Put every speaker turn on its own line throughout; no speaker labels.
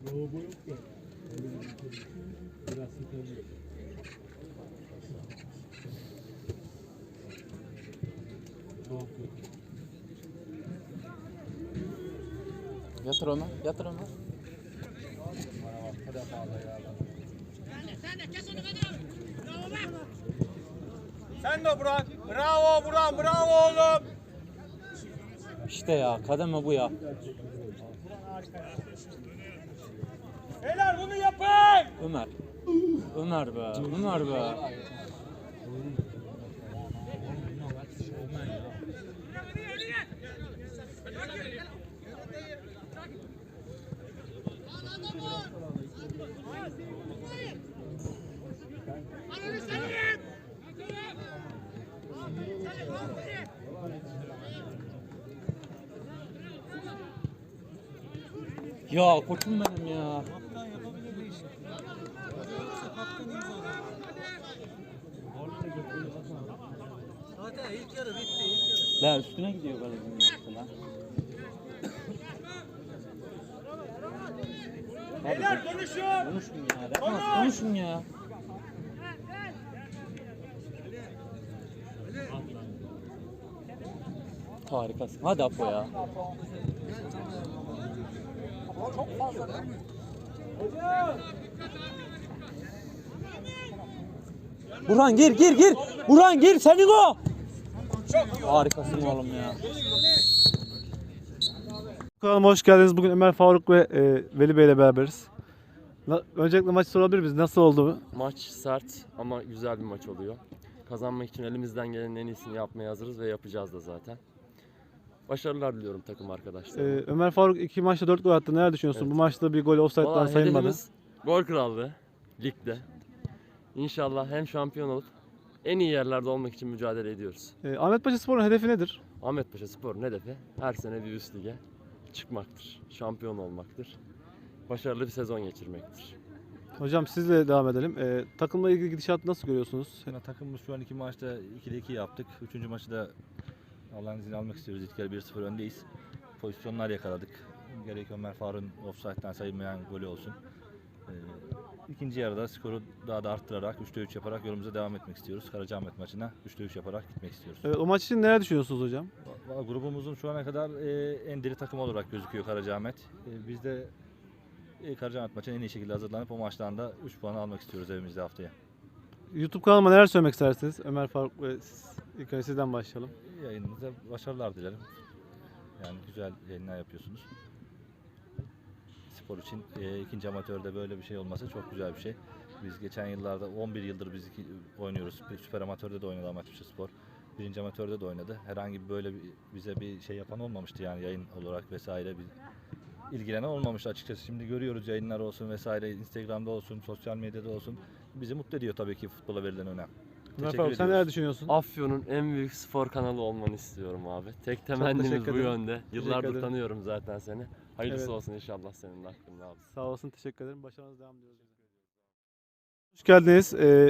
Lavabo yok ya. Biraz sıkılıyor. Yok yok.
Yatır onu, yatır onu.
Sen de Burak. Bravo Burak, bravo oğlum.
İşte ya, kademe bu ya.
Beyler bunu yapın.
Ömer. Ömer be, Ömer be. Ya koçum benim ya.
Zaten ilk yarı bitti, ilk yarı.
La üstüne gidiyor kalecinin mesela.
Beyler konuşun.
Konuşun ya, defans konuşun ya. Harikasın. Hadi Apo ya. Burhan gir gir gir. Burhan gir senin o. Harikasın oğlum ya.
Kanalıma hoş geldiniz. Bugün Ömer Faruk ve Veli Bey ile beraberiz. Öncelikle maçı sorabilir miyiz? Nasıl oldu?
Maç sert ama güzel bir maç oluyor. Kazanmak için elimizden gelenin en iyisini yapmaya hazırız ve yapacağız da zaten. Başarılar diliyorum takım arkadaşlarıma.
Ömer Faruk 2 maçta 4 gol attı. Neler düşünüyorsun?
Evet.
Bu maçta bir gol offside'dan
Vallahi
sayılmadı.
hedefimiz gol krallığı ligde. İnşallah hem şampiyon olup en iyi yerlerde olmak için mücadele ediyoruz.
Ahmetpaşa Spor'un hedefi nedir?
Ahmetpaşa Spor'un hedefi her sene bir üst lige çıkmaktır. Şampiyon olmaktır. Başarılı bir sezon geçirmektir.
Hocam sizle devam edelim. Takımla ilgili gidişatı nasıl görüyorsunuz?
Yani takımımız şu an 2 maçta 2'de 2 yaptık. 3. maçı da Allah'ın izniyle almak istiyoruz. İlk yarı 1-0 öndeyiz. Pozisyonlar yakaladık. Gerek Ömer Faruk'un offside'den sayılmayan golü olsun. İkinci yarıda skoru daha da arttırarak 3'te 3 yaparak yolumuza devam etmek istiyoruz. Karacaahmet maçına 3'te 3 yaparak gitmek istiyoruz.
Evet, o maç için neler düşünüyorsunuz hocam?
Grubumuzun şu ana kadar en diri takım olarak gözüküyor Karacaahmet. Biz de Karacaahmet maçına en iyi şekilde hazırlanıp o maçtan da 3 puan almak istiyoruz evimizde haftaya.
YouTube kanalıma neler söylemek istersiniz? Ömer Faruk ve siz. İlk önce sizden başlayalım.
Yayınınıza başarılar dilerim. Yani güzel yayınlar yapıyorsunuz. Spor için ikinci amatörde böyle bir şey olması çok güzel bir şey. Biz geçen yıllarda 11 yıldır biz oynuyoruz. Süper amatörde de oynadı Ahmetpaşa Spor. Birinci amatörde de oynadı. Herhangi böyle bize bir şey yapan olmamıştı yani yayın olarak vesaire bir ilgilenen olmamıştı açıkçası. Şimdi görüyoruz yayınlar olsun vesaire, Instagram'da olsun, sosyal medyada olsun. Bizi mutlu ediyor tabii ki futbola verilen önem.
Ömer
Teşekkür
Faruk sen
ediyoruz.
neler düşünüyorsun?
Afyon'un en büyük spor kanalı olmanı istiyorum abi. Tek temennimiz
teşekkür
bu
ederim.
yönde.
Teşekkür
Yıllardır
ederim.
tanıyorum zaten seni. Hayırlısı
Evet.
olsun inşallah senin de hakkında abi.
Sağ olasın, teşekkür ederim. Başarınız devam ediyoruz. Hoş geldiniz.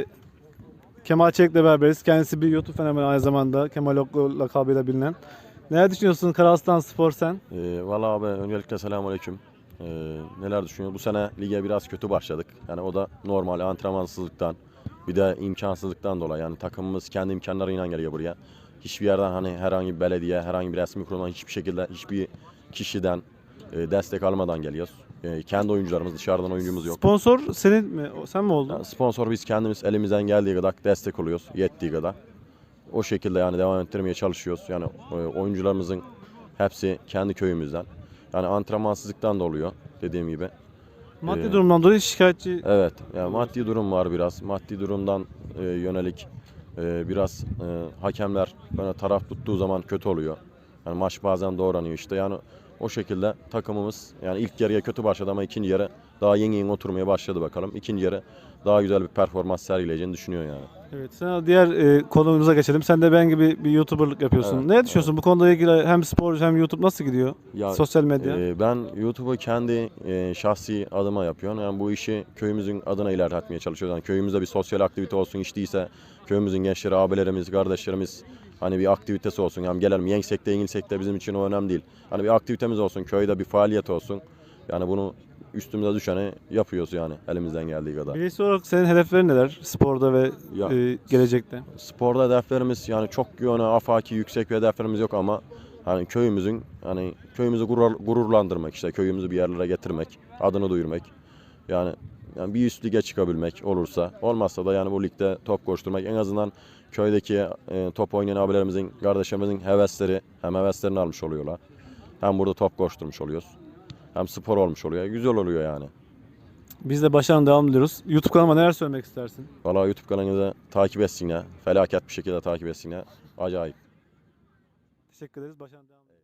Kemal Çelik'le beraberiz. Kendisi bir YouTube fenomeni aynı zamanda. Kemal Oklu lakabıyla bilinen. Neler düşünüyorsun Karaslan Spor sen?
Valla abi öncelikle selamünaleyküm. Neler düşünüyor? Bu sene lige biraz kötü başladık. Yani o da normal antrenmansızlıktan bir de imkansızlıktan dolayı. Yani takımımız kendi imkanlarıyla geliyor buraya. Hiçbir yerden hani herhangi bir belediye, herhangi bir resmi kurumdan hiçbir şekilde hiçbir kişiden destek almadan geliyoruz. Kendi oyuncularımız, dışarıdan oyuncumuz yok.
Sponsor senin mi? Sen mi oldun?
Yani sponsor biz kendimiz elimizden geldiği kadar destek oluyoruz, yettiği kadar. O şekilde yani devam ettirmeye çalışıyoruz. Yani oyuncularımızın hepsi kendi köyümüzden. Yani antrenmansızlıktan da oluyor dediğim gibi.
Maddi durumdan dolayı şikayetçi.
Evet, yani maddi durum var biraz. Maddi durumdan yönelik biraz hakemler böyle taraf tuttuğu zaman kötü oluyor. Yani maç bazen doğranıyor işte. Yani o şekilde takımımız yani ilk yarıya kötü başladı ama ikinci yarı daha yeni oturmaya başladı bakalım. İkinci yarı daha güzel bir performans sergileyeceğini düşünüyor yani.
Evet, sen diğer konumuza geçelim. Sen de ben gibi bir YouTuber'lık yapıyorsun.
Evet,
Ne düşünüyorsun bu konuda ilgili hem spor hem YouTube nasıl gidiyor?
Ya,
Sosyal medya.
Ben YouTube'u kendi şahsi adıma yapıyorum. Yani bu işi köyümüzün adına ilerletmeye çalışıyoruz. Yani köyümüzde bir sosyal aktivite olsun, hiç değilse köyümüzün gençleri, abilerimiz, kardeşlerimiz hani bir aktivitesi olsun. Yani gelelim yensek de yenilsek de bizim için o önemli değil. Hani bir aktivitemiz olsun, köyde bir faaliyet olsun. Yani bunu üstümüze düşeni yapıyoruz yani elimizden geldiği kadar.
Bireysel olarak senin hedeflerin neler sporda ve
Ya,
gelecekte?
Sporda hedeflerimiz yani çok yöne afaki yüksek bir hedeflerimiz yok ama hani köyümüzü gururlandırmak, işte köyümüzü bir yerlere getirmek, adını duyurmak. Yani bir üst lige çıkabilmek olursa, olmazsa da yani bu ligde top koşturmak, en azından köydeki top oynayan abilerimizin, kardeşlerimizin heveslerini almış oluyorlar. Hem burada top koşturmuş oluyoruz. Hem spor olmuş oluyor. Güzel oluyor yani.
Biz de başarılı devam diliyoruz. YouTube kanalıma neler söylemek istersin?
Valla YouTube kanalınızı takip etsinler. Felaket bir şekilde takip etsinler. Acayip.
Teşekkür ederiz. Başarılı devam.